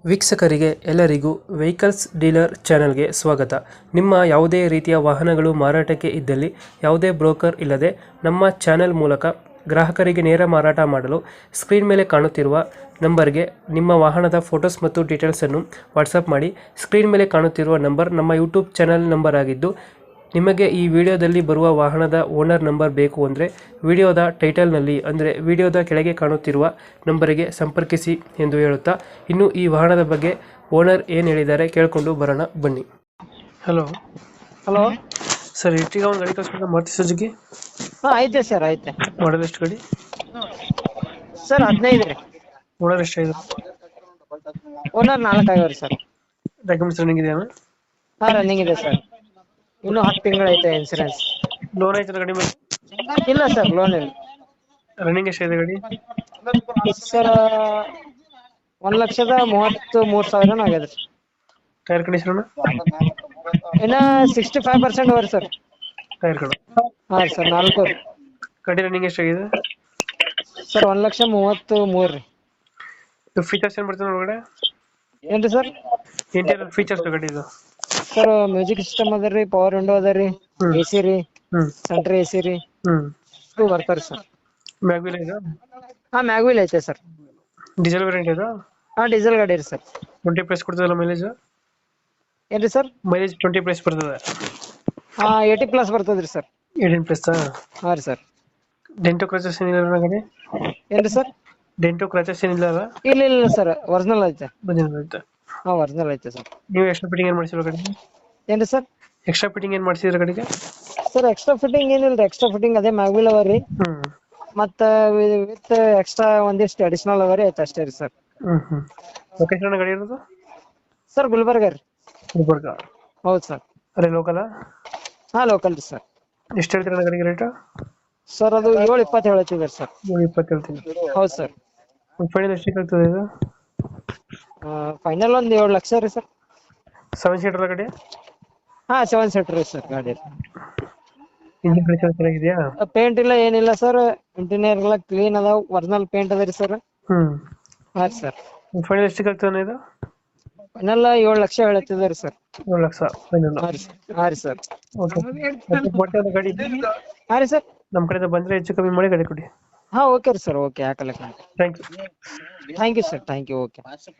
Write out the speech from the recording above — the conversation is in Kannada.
ವೀಕ್ಷಕರಿಗೆ ಎಲ್ಲರಿಗೂ ವೆಹಿಕಲ್ಸ್ ಡೀಲರ್ ಚಾನೆಲ್ಗೆ ಸ್ವಾಗತ. ನಿಮ್ಮ ಯಾವುದೇ ರೀತಿಯ ವಾಹನಗಳು ಮಾರಾಟಕ್ಕೆ ಇದ್ದಲ್ಲಿ ಯಾವುದೇ ಬ್ರೋಕರ್ ಇಲ್ಲದೆ ನಮ್ಮ ಚಾನೆಲ್ ಮೂಲಕ ಗ್ರಾಹಕರಿಗೆ ನೇರ ಮಾರಾಟ ಮಾಡಲು ಸ್ಕ್ರೀನ್ ಮೇಲೆ ಕಾಣುತ್ತಿರುವ ನಂಬರ್ಗೆ ನಿಮ್ಮ ವಾಹನದ ಫೋಟೋಸ್ ಮತ್ತು ಡೀಟೇಲ್ಸನ್ನು ವಾಟ್ಸಪ್ ಮಾಡಿ. ಸ್ಕ್ರೀನ್ ಮೇಲೆ ಕಾಣುತ್ತಿರುವ ನಂಬರ್ ನಮ್ಮ ಯೂಟ್ಯೂಬ್ ಚಾನೆಲ್ ನಂಬರ್ ಆಗಿದ್ದು, ನಿಮಗೆ ಈ ವಿಡಿಯೋದಲ್ಲಿ ಬರುವ ವಾಹನದ ಓನರ್ ನಂಬರ್ ಬೇಕು ಅಂದರೆ ವಿಡಿಯೋದ ಟೈಟಲ್ನಲ್ಲಿ ಅಂದರೆ ವಿಡಿಯೋದ ಕೆಳಗೆ ಕಾಣುತ್ತಿರುವ ನಂಬರಿಗೆ ಸಂಪರ್ಕಿಸಿ ಎಂದು ಹೇಳುತ್ತಾ, ಇನ್ನು ಈ ವಾಹನದ ಬಗ್ಗೆ ಓನರ್ ಏನು ಹೇಳಿದ್ದಾರೆ ಕೇಳಿಕೊಂಡು ಬರೋಣ ಬನ್ನಿ. ಹಲೋ ಹಲೋ ಸರ್, ಈಗ ಒಂದು ಗಾಡಿ ಕಳಿಸ್ಕೊಂಡು ಮಾರುತಿ ಸುಜುಕಿ ಹಾ ಐತೆ ಸರ್ ಐತೆ ಮಾಡಲ್ ಎಷ್ಟು ಗಾಡಿ? ಸರ್ 15 ರೀ. ಓನರ್ ಎಷ್ಟಾಗಿದೆ? ಓನರ್ 4 ಆಗ್ಯಾವ್ರಿ ಸರ್. ಡಾಕ್ಯುಮೆಂಟ್ಸ್ ರನ್ನಿಂಗ್ ಇದೆಯಾ? ಹಾ ರನ್ನಿಂಗ್ ಇದೆ ಸರ್. ಇನ್ನು 10 ತಿಂಗಳು ಐತೆ ಇನ್ಸೂರೆನ್ಸ್. ಲೋನ್ ಐತೆ ಗಾಡಿ ಮೇಲೆ? ಇಲ್ಲ ಸರ್ ಲೋನ್ ಇಲ್ಲ. ರನ್ನಿಂಗ್ ಎಷ್ಟಾಗಿದೆ ಗಾಡಿ? ಸರ್ 1,33,000 ಆಗ್ಯದ್ರಿ. Tyre condition? ಇನ್ನ 65% ಅವರಿ ಸರ್. ಟೈರ್ ಕಡೆ ಹಾ ಸರ್ 4 ಗಾಡಿ ರನ್ನಿಂಗ್ ಎಷ್ಟಾಗಿದೆ? ಸರ್ 1,33,000 ರೀ. ಫೀಚರ್ಸ್ ಏನು ಬರ್ತದೆ ಒಳಗಡೆ? ಏನ್ರಿ ಸರ್? ಇಂಟೀರಿಯರ್ ಫೀಚರ್ಸ್ ಗಾಡಿ ಇದು? ಸರ್ ಮ್ಯೂಸಿಕ್ ಸಿಸ್ಟಮ್ ಅದ ರೀ, ಪವರ್ ವಿಂಡೋ ಅದ ರೀ, AC ರೀ, ಹ್ಮ್ ಸೆಂಟ್ರ್ AC ರೀ, ಹ್ಮ್ ಇವು ಬರ್ತಾರ ಸರ್. ಮ್ಯಾಗ್ವಿಲ್ ಇದೆ? ಹಾ ಮ್ಯಾಗ್ವಿಲ್ ಐತೆ ಸರ್. ಡೀಸೆಲ್ ವೇರಿಯಂಟ್ ಇದೆ? ಹಾ ಡೀಸೆಲ್ ಗಾಡಿ ರೀ ಸರ್. 20 ಪ್ಲಸ್ ಕೊಡ್ತದಲ್ಲ ಮೈಲೇಜ್? ಏನ್ರಿ ಸರ್? ಮೈಲೇಜ್ 20 ಪ್ಲಸ್ ಬರ್ತದೆ? ಹಾ 80+ ಬರ್ತದ್ರಿ ಸರ್. 18 ಪ್ಲಸ್? ಹಾ ರೀ ಸರ್. ಡೆಂಟೋ ಕ್ರಾಚಸ್ ಏನಿಲ್ಲ ಗಾಡಿ? ಏನ್ರಿ ಸರ್? ಡೆಂಟೋ ಕ್ರಾಚಸ್ ಏನಿಲ್ಲ ಅಲ್ಲ? ಇಲ್ಲ ಸರ್ ಒರಿಜಿನಲ್ ಐತೆ. ಬಂದಿರುತ್ತೆ. ಹಾ ಒರಿಜಿನಲ್ ಐತೆ ಸರ್. ನೀವು ಎಕ್ಸ್ಟ್ರಾ ಫಿಟ್ಟಿಂಗ್ ಏನು ಮಾಡಿಸಿರೋ ಗಾಡಿಗೆ? ಏನ್ರಿ ಸರ್? ಎಕ್ಸ್ಟ್ರಾ ಫಿಟ್ಟಿಂಗ್ ಏನು ಮಾಡಿಸಿರೋ ಗಾಡಿಗೆ? ಸರ್ ಎಕ್ಸ್ಟ್ರಾ ಫಿಟ್ಟಿಂಗ್ ಏನಿಲ್ಲ, ಎಕ್ಸ್ಟ್ರಾ ಫಿಟ್ಟಿಂಗ್ ಅದೇ ಮ್ಯಾಗ್ವಿಲ್ ಅವ ರೀ. ಹ್ಮ್ ಮತ್ತ ವಿತ್ ಎಕ್ಸ್ಟ್ರಾ ಒಂದಿಷ್ಟು ಅಡಿಷನಲ್ ಅವ ರೀ, ಐತೆ ಅಷ್ಟೇ ರೀ ಸರ್. ಹ್ಮ್ ಲೊಕೇಶನ್ ಗಾಡಿ ಇರೋದು? ಸರ್ ಗುಲ್ಬರ್ಗ ರೀ. ಗುಲ್ಬರ್ಗ? ಹೌದು ಸರ್. ಅದೇ ಲೋಕಲ್? ಹಾ ಲೋಕಲ್ ರೀ ಸರ್. ಎಷ್ಟು ಹೇಳ್ತೀರಾ ಗಾಡಿಗೆ ರೇಟ್? ಸರ್ ಅದು 7.20 ಹೇಳ್ತಿದ್ದಾರೆ ಸರ್. 20 ಹೇಳ್ತೀನಿ. ಹೌದು ಸರ್. ಫೈನಲ್ ಎಷ್ಟಕ್ಕೆ ಆಗ್ತದೆ ಇದು? ಫೈನಲ್ ಒಂದು 7 ಲಕ್ಷ ರೀ ಸರ್. 7 ಸೀಟರ್ ಗಾಡಿ? ಹಾ 7 ಸೀಟರ್ ರೀ ಸರ್ ಗಾಡಿ. ಇಂಜಿನ್ ಕಂಡೀಷನ್ ಚೆನ್ನಾಗಿದೆಯಾ? ಪೇಂಟ್ ಇಲ್ಲ ಏನಿಲ್ಲ ಸರ್, ಇಂಟೀರಿಯರ್ ಎಲ್ಲ ಕ್ಲೀನ್ ಅದಾವ, ಒರಿಜಿನಲ್ ಪೇಂಟ್ ಅದ ರೀ ಸರ್. ಹ್ಮ್ ಹಾ ಸರ್. ಫೈನಲ್ ಎಷ್ಟಕ್ಕೆ ಆಗ್ತದೆ ಇದು? ಫೈನಲ್ 7 ಲಕ್ಷ ಹೇಳ್ತಿದ್ದಾರೆ ಸರ್. 7 ಲಕ್ಷ ಫೈನಲ್? ಹಾ ರೀ ಸರ್. ಓಕೆ ಗಾಡಿ ಹಾ ರೀ ಸರ್. ನಮ್ಮ ಕಡೆಯಿಂದ ಬಂದರೆ ಹೆಚ್ಚು ಕಮ್ಮಿ ಮಾಡಿ ಗಾಡಿ ಕೊಡಿ. ಹಾ ಓಕೆ ರೀ ಸರ್. ಓಕೆ ಹಾಕಲ್ಲ. Thank you. Thank you sir. Thank you. Okay.